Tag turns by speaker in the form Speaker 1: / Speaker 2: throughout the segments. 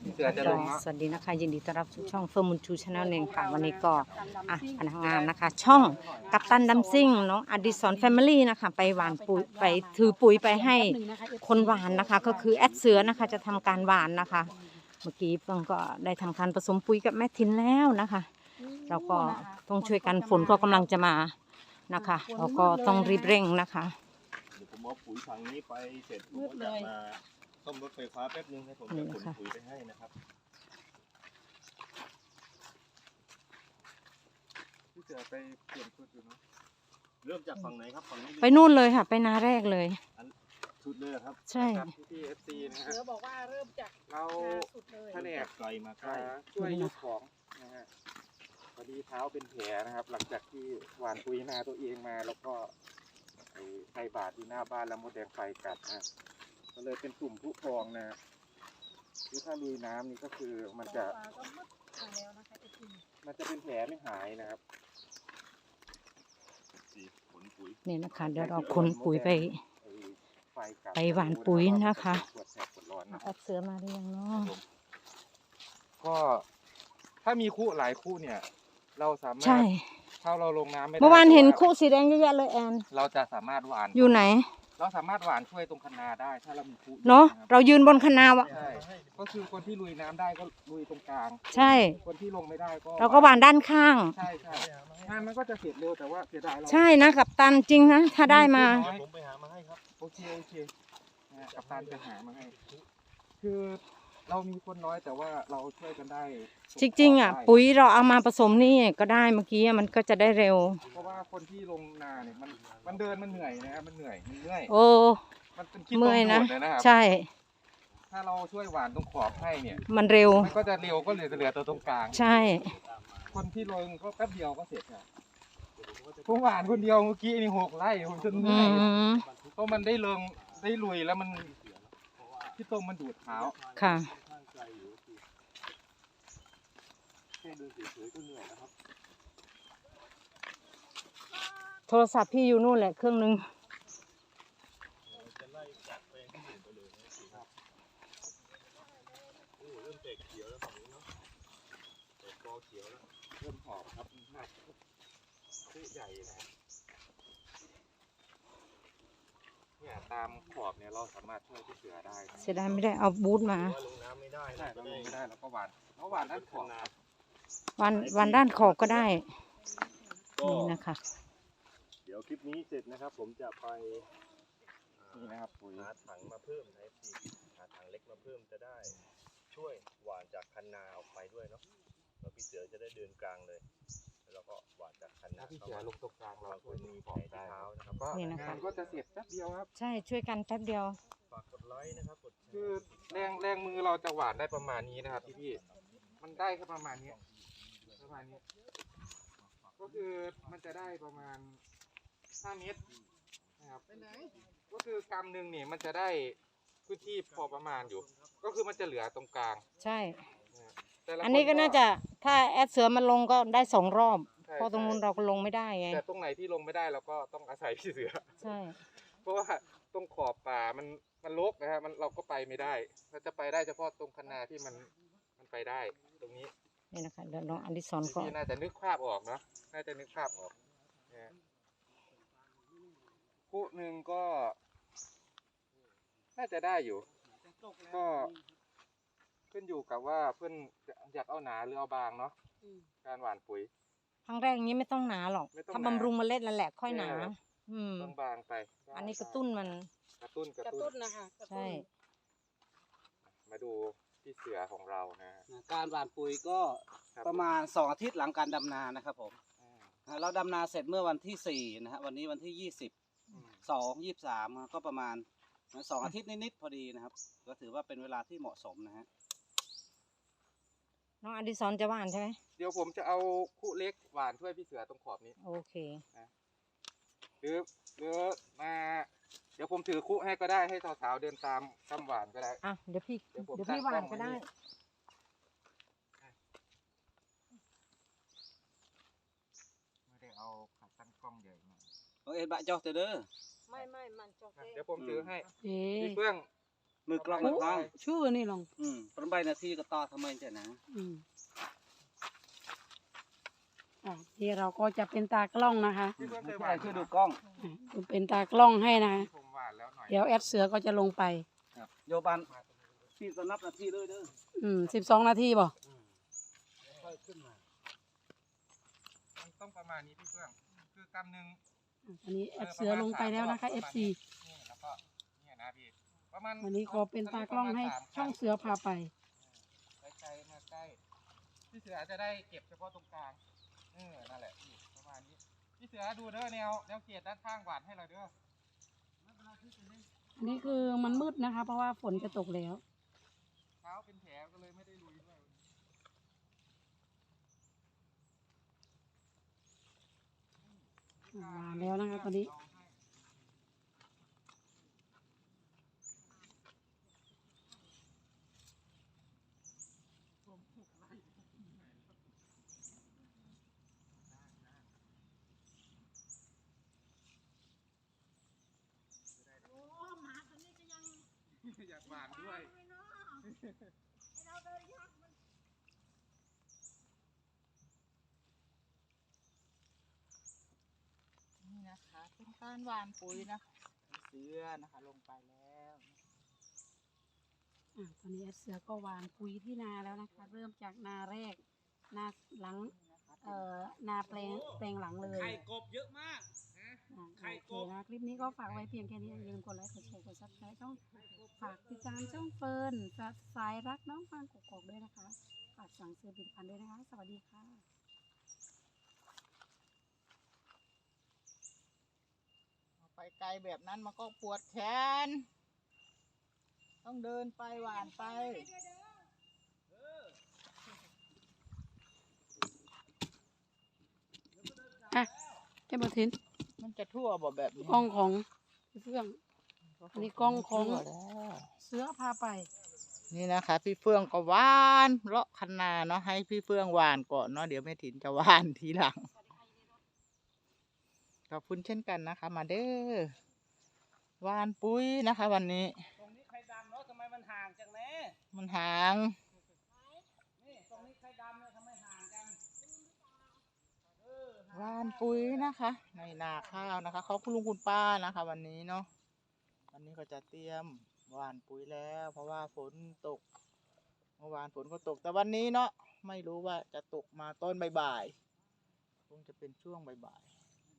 Speaker 1: เสือจะลงเนาะ
Speaker 2: สวัสดีนะคะยินดีต้อนรับสู่ช่องเฟิร์มมูลชูชาแนลเองค่ะวันนี้ก็พนักงานนะคะ ช่องกัปตันดัมซิ่งน้องอดิศรแฟมิลี่นะคะไปหว่านปุ๋ยไปถือปุ๋ยไปให้คนหว่านนะคะ ก็คือแอดเสือนะคะจะทำการหว่านนะคะ เมื่อกี้เฟิร์มก็ได้ทำการผสมปุ๋ยกับแม่ทินแล้วนะคะเราก็ต้องช่วยกันฝนก็กำลังจะมานะคะเราก็ต้องรีบเร่งนะคะ
Speaker 3: เดี๋ยวผมเอาปุ๋ยถังนี้ไปเสร็จผมก็จะมาซ่อมรถไฟฟ้าแป๊บนึงให้ผมจะขนปุ๋ยไปให้นะครับพี่เสือไปเปลี่ยนชุดอยู่เนาะเริ่มจากฝั่งไหนครับฝั่งนี้
Speaker 2: ไปนู่นเลยค่ะไปนาแรกเลย
Speaker 3: ชุดเลยครับ
Speaker 2: ใช่
Speaker 1: พี่เอฟซีนะฮะ
Speaker 4: เสือบอกว่าเริ่มจาก
Speaker 1: เรา
Speaker 4: สุดเลย
Speaker 1: แผนก
Speaker 3: ไกลมาใกล้
Speaker 1: ช่วยยกของนะฮะพอดีเท้าเป็นแผลนะครับ หลังจากที่หว่านปุ๋ยนาตัวเองมาแล้วก็ไฟบาดที่หน้าบ้านแล้วมดแดงไฟกัดนะก็เลยเป็นกลุ่มผู้พองนะคือถ้าลุยน้ำนี่ก็คือมันจะเป็นแผลไม่หายนะครับ
Speaker 3: ขนปุ๋ย
Speaker 2: นี่นะคะเดี๋ยวเราขนปุ๋ยไป
Speaker 1: ไฟกัด
Speaker 2: ไปหว่านปุ๋ยนะคะ
Speaker 1: ปวดแสบปวดร้อนนะ
Speaker 2: แอดเสือมาหรือยังเนาะ
Speaker 1: ก็ถ้ามีคู่หลายคู่เนี่ย เราสามารถ
Speaker 2: ใช่
Speaker 1: ถ้าเราลงน้ำไม่ได้
Speaker 2: เมื่อวานเห็นคู่สีแดงเยอะแยะเลยแอน
Speaker 1: เราจะสามารถหว่าน
Speaker 2: อยู่ไหน
Speaker 1: เราสามารถหว่านช่วยตรงคันนาได้ ถ้าเรามีคู่
Speaker 2: เนาะ
Speaker 1: ครับ
Speaker 2: เรายืนบนคะนาวะ
Speaker 1: ใช่ก็คือคนที่ลุยน้ำได้ก็ลุยตรงกลาง
Speaker 2: ใช่
Speaker 1: คนที่ลงไม่ได้ก็
Speaker 2: เราก็หวานด้านข้าง
Speaker 1: ใช่ใช่งานมันก็จะเสร็จเร็วแต่ว่าเสียดายเรา
Speaker 2: ใช่นะกับตันจริงนะถ้าได้มา
Speaker 3: เดี๋ยวผมไปหามาให้ครับ
Speaker 1: โอเคนะกับตันจะหามาให้ คือเรามีคนน้อยแต่ว่าเราช่วยกันได้
Speaker 2: จริงๆอ่ะปุ๋ยเราเอามาผสมนี่ก็ได้เมื่อกี้มันก็จะได้เร็ว
Speaker 1: เพราะว่าคนที่ลงนาเนี่ยมันเดินมันเหนื่อยนะครับมันเหนื่อยมันเมื่อย
Speaker 2: โอ้
Speaker 1: มันเป็นขี้ตม
Speaker 2: เมื่อยนะ
Speaker 1: โดดเลยนะครับ
Speaker 2: ใช่
Speaker 1: ถ้าเราช่วยหวานตรงขอบให้เนี่ย
Speaker 2: มันเร็ว
Speaker 1: มันก็จะเร็วก็เหลือตัวตรงกลาง
Speaker 2: ใช่
Speaker 1: คนที่ลงก็แป๊บเดียวก็เสร็จครับผมหวานคนเดียวเมื่อกี้นี่6 ไร่ผมจนเห
Speaker 2: อื
Speaker 1: นื่อย
Speaker 2: ม
Speaker 1: เพราะมันได้ลุยแล้วมันที่ตมมันดูดเท้า
Speaker 2: ค่ะ
Speaker 3: แค่เดินเฉยๆก็เหนื่อยแล้วครับ
Speaker 2: โทรศัพท์พี่อยู่นู่นแหละเครื่องนึง
Speaker 3: จะไล่จากแปลงที่อื่นไปเลยนะครับโอ้เริ่มแตกเขียวแล้วฝั่งนี้เนาะแตกกอเขียวแล้ว
Speaker 1: เริ่มหอบครับหนักซื้อใหญ่นะเนี่ยตามขอบเนี่ยเราสามารถช่วยที่เสือได้นะ
Speaker 2: เสียดายไม่ได้เอาบูทมา
Speaker 3: ว่าลงน้ำไม่ได้
Speaker 1: ใช่
Speaker 3: นะ
Speaker 1: เราลงไม่ได้เราก็หวานด้านขอบครับ
Speaker 2: วันด้านขอบก็ได้
Speaker 3: ก็
Speaker 2: นี่นะคะ
Speaker 3: เดี๋ยวคลิปนี้เสร็จนะครับ ผมจะไป
Speaker 1: นี่นะครับปุ๋ย
Speaker 3: หาถังมาเพิ่มนะพี่หาถังเล็กมาเพิ่มจะได้ช่วยหว่านจากคันนาออกไปด้วยเนาะแล้วพี่เสือจะได้เดินกลางเลยแล้วก็หว่านจากคันนา
Speaker 1: ถ้าพี่เสือลงตรงกลางเรา
Speaker 3: บางค
Speaker 1: ช่วย
Speaker 3: น
Speaker 1: มี
Speaker 3: มี
Speaker 1: ข
Speaker 3: แผ
Speaker 1: อ
Speaker 3: ล
Speaker 1: บ
Speaker 3: ที่
Speaker 1: ได้
Speaker 3: เท้านะครับ
Speaker 1: ก็
Speaker 2: นี่นะคะ
Speaker 1: งานก็จะเสร็จแป๊บเดียวครับ
Speaker 2: ใช่ช่วยกันแป๊บเดียว
Speaker 3: ฝากกดไลค์นะครับกดแช
Speaker 1: คือ
Speaker 3: ร์
Speaker 1: แรงมือเราจะหวานได้ประมาณนี้นะครับพี่มันได้แค่ประมาณนี้ก็คือมันจะได้ประมาณ5 เมตรนะครับก็คือกำหนึ่งเนี่ยมันจะได้พื้นที่พอประมาณอยู่ ก็คือมันจะเหลือตรงกลาง
Speaker 2: ใช่
Speaker 1: นะแต่ละ
Speaker 2: อันนี้ก็น่าจะถ้าแอดเสือมันลงก็ได้2 รอบ
Speaker 1: ใช่
Speaker 2: เพราะตรงนู้นเราก็ลงไม่ได้ไง
Speaker 1: แต่ตรงไหนที่ลงไม่ได้เราก็ต้องอาศัยพี่เสือ
Speaker 2: ใช่
Speaker 1: เพราะว่าตรงขอบป่ามันรกนะครับเราก็ไปไม่ได้เราจะไปได้เฉพาะตรงคันนาที่มันไปได้ตรงนี้
Speaker 2: นี่นะคะเดี๋ยวน้องอดิศรก็
Speaker 1: พี่น่าจะนึกภาพออกเนาะน่าจะนึกภาพออกนะคู่หนึ่งก็ น่าจะได้อยู่ ก็ขึ้นอยู่กับว่าเพื่อนอยากเอาหนาหรือเอาบางเนาะการหว่านปุ๋ย
Speaker 2: ครั้งแรกนี้ไม่ต้องหนาหรอก
Speaker 1: ไม่ต้องหนา
Speaker 2: ถ้าบำรุงเมล็ดนั่นแหละค่อยหนา อืม
Speaker 1: ต้องบางไป
Speaker 2: อันนี้กระตุ้นมัน
Speaker 1: กระตุ้น
Speaker 4: กระตุ้นนะคะกระตุ้น
Speaker 2: ใช่
Speaker 1: มาดูพี่เสือของเรานะฮะ
Speaker 5: การหว่านปุ๋ยก็
Speaker 1: ครับ
Speaker 5: ประมาณ2 อาทิตย์หลังการดำนานะครับผมเราดำนาเสร็จเมื่อวันที่4นะฮะวันนี้วันที่23ก็ประมาณ2 อาทิตย์นิดๆพอดีนะครับ ก็ถือว่าเป็นเวลาที่เหมาะสมนะฮะ
Speaker 2: น้องอดิศรจะหว่านใช่ไหม
Speaker 1: เดี๋ยวผมจะเอาคู่เล็กหวานช่วยพี่เสือตรงขอบนี้
Speaker 2: โอเค
Speaker 1: หรือมาเดี๋ยวผมถือคู่ให้ก็ได้ให้สาวๆเดินตามคำหวานก็ได้
Speaker 2: อ่ะเดี๋ยวพี่
Speaker 1: เดี๋ยวผม
Speaker 2: พี่
Speaker 1: ตั้ง
Speaker 2: หว่าน
Speaker 1: กล้
Speaker 2: ก็
Speaker 1: องไว้
Speaker 2: ได้
Speaker 1: นี่ ไม่ได้เอาขาตั้งกล้องใหญ่มา
Speaker 5: เอ็ดบะจอเตอเด้อ
Speaker 4: ไม่มันจอก
Speaker 1: เดี๋ยวผมถือให้
Speaker 2: เอ๊ะ
Speaker 1: พี่เฟื่อง
Speaker 5: มือกล้อง
Speaker 4: โอ้
Speaker 5: กล้อง
Speaker 4: ชื่อนี่ลอง
Speaker 5: ประมาณนาทีก็ต่อทำไมเจ้านะ
Speaker 4: อืมนี่เราก็จะเป็นตากล้องนะคะ
Speaker 1: พี่เพื่อนเค
Speaker 5: ไม่
Speaker 1: ยห
Speaker 5: ใช่
Speaker 1: วาน
Speaker 5: คือดูกล้อง
Speaker 4: เป็นตากล้องให้นะคะ
Speaker 1: ผมหวานแล้วหน่อย
Speaker 4: เดี๋ยวแอดเสือก็จะลงไป
Speaker 5: โยบันพี่ก็นับนาทีเลยเด้อ
Speaker 4: 12 นาทีบ่
Speaker 5: ค่อยขึ้นมา
Speaker 1: มันต้องประมาณนี้พี่เพื่อนคือกำหนึ่ง
Speaker 4: อันนี้แอดเสือลงไปแล้วนะคะ FC
Speaker 1: นี่แล้วก็เนี่ยนะพี่ประมาณ
Speaker 4: วันนี้ขอเป็นตากล้องให้ช่องเสือพาไป
Speaker 1: ใกล้ๆมาใกล้พี่เสือจะได้เก็บเฉพาะตรงกลางนั่นแหละพี่ประมาณนี้พี่เสือดูเด้อแนวเขตด้านข้างหวานให้เราเด้อ
Speaker 4: อันนี้คือมันมืดนะคะ เพราะว่าฝนจะตกแล้ว
Speaker 1: เท้าเป็นแผลก็เลยไม่ได้ลุยด้วย
Speaker 4: มาแล้วนะคะตอนนี้
Speaker 1: อยากหวานด้วย
Speaker 6: นี่นะคะเป็นการหวานปุ๋ยนะคะเสือนะคะลงไปแล้ว
Speaker 4: ตอนนี้แอดเสือก็หวานปุ๋ยที่นาแล้วนะคะ เริ่มจากนาแรก นาหลัง นาแปลงหลังเลย
Speaker 5: ไข่กบเยอะมาก ไข่
Speaker 4: โอเค
Speaker 5: กบ
Speaker 4: นะคลิปนี้ก็ฝากไว้เพียงแค่นี้อย่าลืมกดไลค์กดแชร์กดซับสไครต์ช่องฝากติดตามช่องเฟิร์นสายรักน้องฟางกกอกด้วยนะคะฝากสั่งซื้อผลิตภัณฑ์ด้วยนะคะ สวัสดีค่ะ
Speaker 6: ไปไกลแบบนั้นมันก็ปวดแขน ต้องเดินไปหวานไป
Speaker 4: เจ้าบทิน
Speaker 6: มันจะทั่วบ่แบบนี้
Speaker 4: กล้องของพี่เฟื่อง อันนี้กล้องของ
Speaker 6: ทั่วแล้ว
Speaker 4: เสือพาไป
Speaker 6: นี่นะคะพี่เฟื่องก็หวานเลาะคันนาเนาะให้พี่เฟื่องหวานก่อนเนาะเดี๋ยวแม่ถิ่นจะหวานทีหลังขอบคุณเช่นกันนะคะ มาเด้อหวานปุ๋ยนะคะ วันนี้
Speaker 5: ตรงนี้ไข่ดำเนาะทำไมมันห่างจังแน่
Speaker 6: มันห่าง
Speaker 5: นี่ตรงนี้ไข่ดำเนี่ยทำไมห่างกัน
Speaker 6: หวานปุ๋ยนะคะในนาข้าวนะคะขอบคุณลุงคุณป้านะคะ วันนี้เนาะวันนี้ก็จะเตรียมหวานปุ๋ยแล้ว เพราะว่าฝนตกเมื่อวานฝนก็ตกแต่วันนี้เนาะไม่รู้ว่าจะตกมาต้นบ่ายๆคงจะเป็นช่วงบ่าย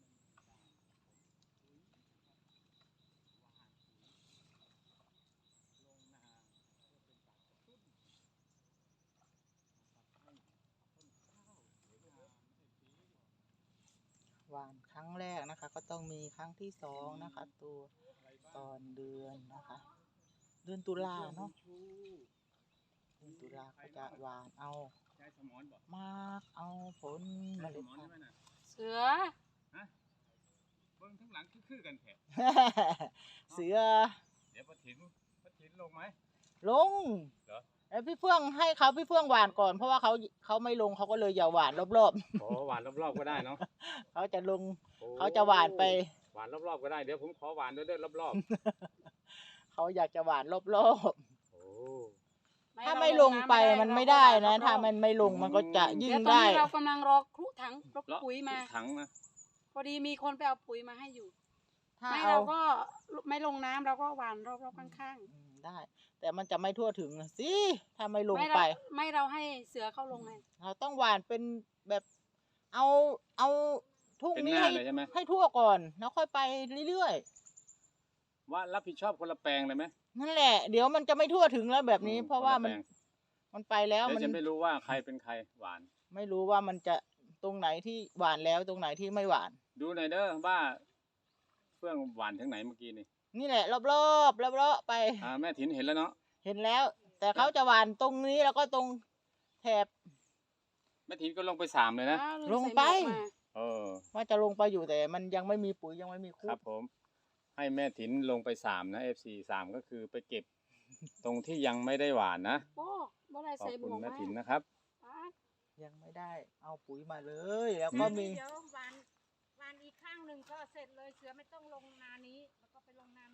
Speaker 6: ๆหวานครั้งแรกนะคะ ก็ต้องมีครั้งที่สองนะคะ ตัวตอนเดือนนะคะ เดือนตุลาเนาะเดือนตุลาก็จะหวานเอามากเอาผลเมล็ดพันธุ์
Speaker 4: เสือ
Speaker 5: เบิ้งข้างหลังคือกันแท้
Speaker 6: เสือ
Speaker 5: เดี๋ยวป้าถินลงไหม
Speaker 6: ลง
Speaker 5: เหรอ
Speaker 6: แล้วพี่เฟื่องให้เขาพี่เฟื่องหวานก่อนเพราะว่าเขาไม่ลงเขาก็เลยอย่าหวานรอบ
Speaker 3: โอ้หวานรอบๆก็ได้เนาะ
Speaker 6: ๆ เขาจะลงเขาจะหวานไป
Speaker 3: หวานรอบๆก็ได้เดี๋ยวผมขอหวานด้วยรอบ
Speaker 6: เขาอยากจะหวานรอบ
Speaker 3: ๆโอ้
Speaker 6: ๆ ถ้าไม่ลงไปมันไม่ได้นะ ถ้ามันไม่ลงมันก็จะยิ่
Speaker 4: เดี๋
Speaker 6: ง
Speaker 4: ยวตอน
Speaker 6: ได้
Speaker 4: นี้เรากำลังรอครุถังรถ
Speaker 3: เลาะ
Speaker 4: ปุ๋ยมา
Speaker 3: ถังนะ
Speaker 4: พอดีมีคนไปเอาปุ๋ยมาให้อยู่
Speaker 6: ถ้า
Speaker 4: ไม่
Speaker 6: เอา
Speaker 4: เราก็ไม่ลงน้ำเราก็หวานรอบๆข้าง
Speaker 6: ได้ แต่มันจะไม่ทั่วถึงนะสิถ้าไม่ล
Speaker 4: ๆ
Speaker 6: ง
Speaker 4: ไม่
Speaker 6: ไป
Speaker 4: เราให้เสือเข้าลงไง
Speaker 6: เราต้องหวานเป็นแบบเอาทุ่ง
Speaker 3: เป็น
Speaker 6: นี้
Speaker 3: หน้า
Speaker 6: ให้
Speaker 3: เลยใช่ไหม
Speaker 6: ให้ทั่วก่อนแล้วค่อยไปเรื่อย
Speaker 3: ว่ารับผิดชอบคนละแปลงเลยไหม
Speaker 6: ๆนั่นแหละ เดี๋ยวมันจะไม่ทั่วถึงแล้วแบบนี้ เพราะว่า
Speaker 3: คนละแปลง
Speaker 6: มันไปแล้ว
Speaker 3: เดี๋ยว
Speaker 6: มัน
Speaker 3: จะไม่รู้ว่าใครเป็นใครหวาน
Speaker 6: ไม่รู้ว่ามันจะตรงไหนที่หวานแล้วตรงไหนที่ไม่หวาน
Speaker 3: ดูหน่อยเด้อว่าเฟื่องหวานถึงไหนเมื่อกี้นี่
Speaker 6: นี่แหละรอบๆไป
Speaker 3: แม่ถินเห็นแล้วเนาะ
Speaker 6: เห็นแล้ว แต่เขาจะหวานตรงนี้แล้วก็ตรงแถบ
Speaker 3: แม่ถินก็ลงไป3เลยนะ
Speaker 4: อ้าว
Speaker 6: ลงไป
Speaker 4: ใส่หมวกมา
Speaker 6: ว่าจะลงไปอยู่แต่มันยังไม่มีปุ๋ยยังไม่มีคุ
Speaker 3: ครับผม ให้แม่ถินลงไป3นะ FC 3ก็คือไปเก็บ ตรงที่ยังไม่ได้หวานนะ
Speaker 4: โอ้บ่ได้
Speaker 3: ขอบ
Speaker 4: ใส่หม
Speaker 3: คุณ
Speaker 4: วก
Speaker 3: แม่
Speaker 4: มา
Speaker 3: ถินนะครับ
Speaker 4: ป๊าด
Speaker 6: ยังไม่ได้เอาปุ๋ยมาเลย แล้วก็มี
Speaker 4: เดี๋ยววานอีกข้างหนึ่งก็เสร็จเลยเสือไม่ต้องลงนานี้ แล้วก็ไปลงนานู้น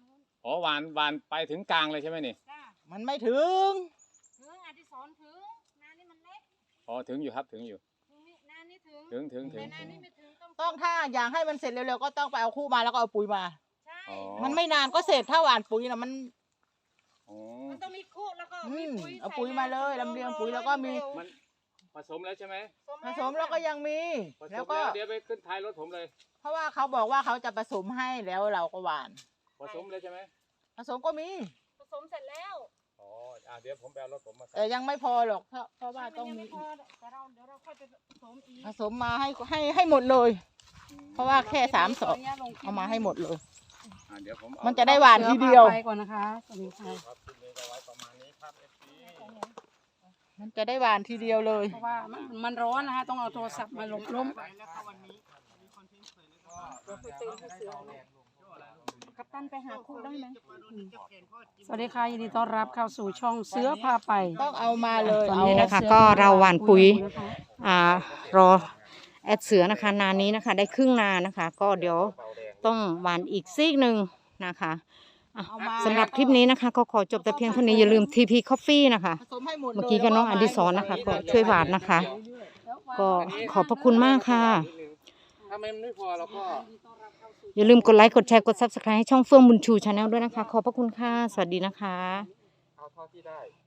Speaker 7: อ๋อหวานไปถึงกลางเลยใช่ไหมนี่
Speaker 4: จ้า
Speaker 6: มันไม่ถึง
Speaker 4: ถึงอดิศรถึงนานี่มันเล็ก
Speaker 7: อ๋อถึงอยู่ครับถึงอยู่
Speaker 4: ถึงนี่นานี่ถึง
Speaker 7: ถึง
Speaker 4: แต่นานี่ไม่ถึง
Speaker 6: ต้องถ้าอยากให้มันเสร็จเร็วๆก็ต้องไปเอาคู่มาแล้วก็เอาปุ๋ยมา
Speaker 4: ใช่
Speaker 7: อ๋อ
Speaker 6: มันไม่นานก็เสร็จถ้าหว่านปุ๋ยนะมัน
Speaker 7: อ๋อ
Speaker 4: มันต้องมีคู่แล้วก็มีปุ๋ย
Speaker 6: เอาปุ๋ยมาเลยลำเลียงปุ๋ยแล้วก็มี
Speaker 7: มันผสมแล้วใช่ไหม
Speaker 6: ผสมแล้วก็ยังมี
Speaker 7: ผส
Speaker 6: แล้ว
Speaker 7: ม
Speaker 6: ก็
Speaker 7: แล้วเดี๋ยวไปขึ้นท้ายรถผมเลย
Speaker 6: เพราะว่าเขาบอกว่าเขาจะผสมให้แล้วเราก็หว่าน
Speaker 7: ผสมเลยใช่ไหม
Speaker 6: ผสมก็มี
Speaker 4: ผสมเสร็จแล้ว
Speaker 7: อ๋อเดี๋ยวผมไปเอารถผมมาใส่
Speaker 6: แต่ยังไม่พอหรอกเพราะว่าต้อง
Speaker 4: มันยัง
Speaker 6: มี
Speaker 4: ไม่พอแต่เดี๋ยวเราค่อยไปผสมอีก
Speaker 6: ผสมมาให้หมดเลย เพราะว่าแค่3 ศอกเอามาให้หมดเลย
Speaker 7: เดี๋ยวผมเอา
Speaker 6: มันจะได้หวานทีเดียว
Speaker 4: ไปก่อนนะคะสวัสดีค่ะ
Speaker 7: ครับคลิปนี้ก็ไว้ประมาณนี้ครับ FC
Speaker 6: มันจะได้หวานทีเดียวเลย
Speaker 4: เพราะว่ามันร้อนนะคะต้องเอาโทรศัพท์มาหลบล้มกัปตันไปหาคู่ได้ไหมสวัสดีค่ะยินดีต้อนรับเข้าสู่ช่องเสือพาไป
Speaker 6: ต้องเอามาเลย
Speaker 2: ตอนนี้นะคะก็เราหว่านปุ๋ยรอแอดเสือนะคะนานี้นะคะ ได้ครึ่งนานะคะ ก็เดี๋ยวต้องหว่านอีกซีกหนึ่งนะคะอ่ะสำหรับคลิปนี้นะคะ ก็ขอจบแต่เพียงเท่านี้อย่าลืม TP Coffee นะคะ
Speaker 6: ผสมให้หมดเลย
Speaker 2: เมื่อกี้ก็น้องอดิศรนะคะก็ช่วยหวานนะคะ ก็ขอบพระคุณมากค่ะ
Speaker 1: ถ้ามันไม่พอเราก็
Speaker 2: อย่าลืมกดไลค์กดแชร์กด Subscribe ให้ช่องเฟื่องบุญชูชาแนลด้วยนะคะ ขอบพระคุณค่ะ สวัสดีนะคะ
Speaker 1: เอาเท่าที่ได้